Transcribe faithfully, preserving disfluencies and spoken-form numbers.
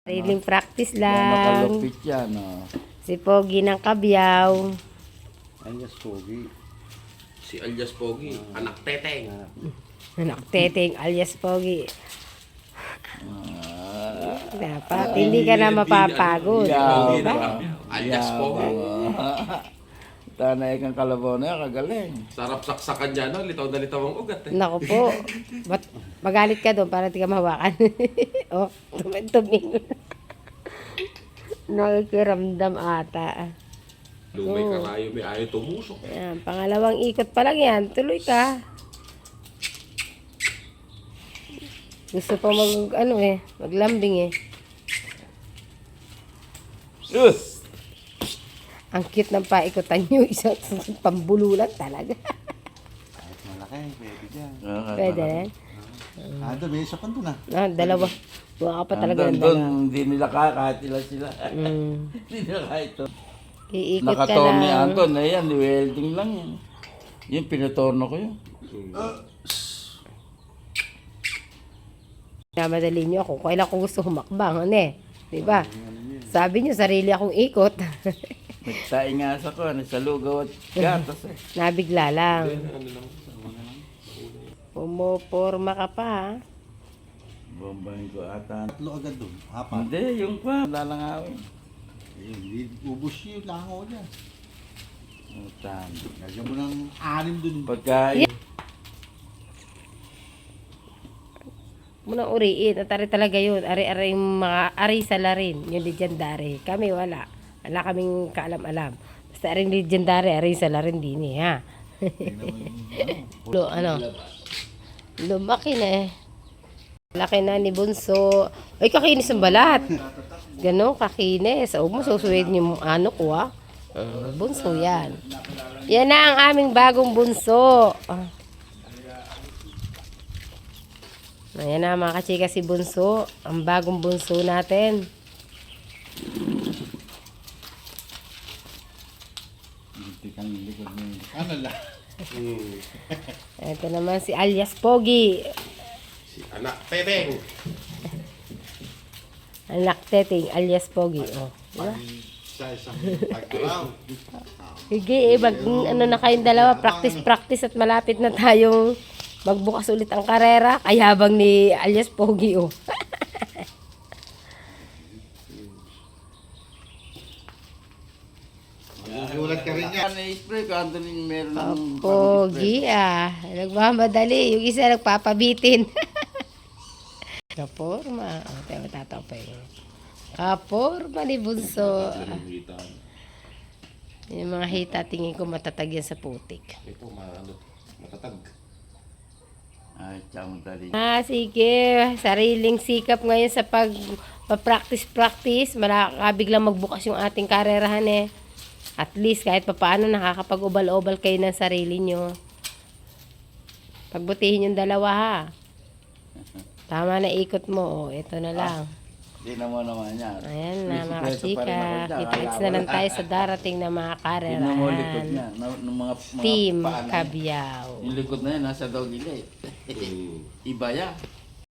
Sariling practice Yan, lang. nakalupit yan, oh. Si Pogi ng Kabyaw. Alias Pogi. Si alias Pogi, anak teteng. Anak Teteng alias Pogi. Dapat hindi ka na mapapagod. Yaw, Diba? Alias yaw, Pogi. oh. Tanay kang kalabaw na yan, kagaling. Sarap saksakan dyan, no? Litaw na litaw ang ugat. Eh. Naku po. Ba't magalit ka doon para di ka mahawakan? Oh, tuming-tuming. Nakikiramdam ata. Lumay Oo. karayo, may ayaw tumusok. Ayan, pangalawang ikot pa lang yan. Tuloy ka. Gusto pa mag, ano eh, maglambing eh. Uh! Ang cute ng paikutan nyo. Isang pambululan talaga. Kahit malaki, pwede dyan. Pwede rin. Ah, doon, may isa pa doon ah. Ah, dalawa. Buka ka pa talaga ng Andun, doon, dalawa. hindi nila kaya kahit ilan sila. Mm. Hindi nila kaya ito. Iikot ka Nakatorn ni lang. Anton na yan, welding lang yan. Yung pinatorno ko yun. Namadali nyo ako. Kailan ko gusto humakbang. Ano eh. Diba? Sabi nyo, sarili akong ikot. Nagsaing nga sa ko, ano, sa lugaw at gatas eh. Nabigla lang. Ano lang, Pumoporma ka pa ha. Bombahin ko ata. Tatlo agad doon. Apat. Hindi, yung pa, lalangawin. Eh, hindi ubus yung langaw niya. Utang. Lagyan mo ng anim doon. Pagka, Munang uriin. At ari talaga yun. Ari-ari yung mga ari sa larin. Yung legendary. Kami wala. Wala kaming kaalam-alam. Basta aring legendary, ari sa larin din eh ha. Lo, ano? Lumaki na eh. Laki na ni Bunso. Ay, kakinis ang balat. Ganon, kakinis. Huwag mo susuwedin yung ano ko ah. Uh, bunso yan. Yan na ang aming bagong bunso. Ah. Ayan na mga kachika si Bunso. Ang bagong bunso natin. Hindi kang likod mo. Ano lang? Hmm. Ito naman si alias Pogi. Si anak teteng. Anak Teteng alias Pogi. Oh, diba? Sa isang pagkaraw. Sige, eh, mag, ano na kayong dalawa, practice-practice at malapit na tayong magbukas ulit ang karera. Kayabang ni alias Pogi, oh. Magugulat ka rin niya. Ano i-spray ko, Anthony, meron ng Pogi, ah. Nagmamadali. Yung isa nagpapabitin. Kaporma. O, tayo matatapay. Kaporma ni Bunso. Yung mga hita, tingin ko matatag yan sa putik. Ito, ano, matatag. Ay, tsang dali. Ah, sige. Sariling sikap ngayon sa pag practice-practice. Malakabiglang magbukas yung ating karerahan eh. At least kahit papaano nakakapag-ubal-ubal kayo ng sarili nyo. Pagbutihin yung dalawa ha. Tama na ikot mo. O, ito na lang. Hindi na mo naman yan. Ayan na mga May sikreto pa rin chika. ako dyan. Kita-kits Wala, na lang wala. tayo sa darating na mga Tingnan mo likod karerahan. niya. Na, ng mga, mga Team paa na yan. Kabyaw. Yung likod na yan, nasa doggy leg. Hmm. Iba yan.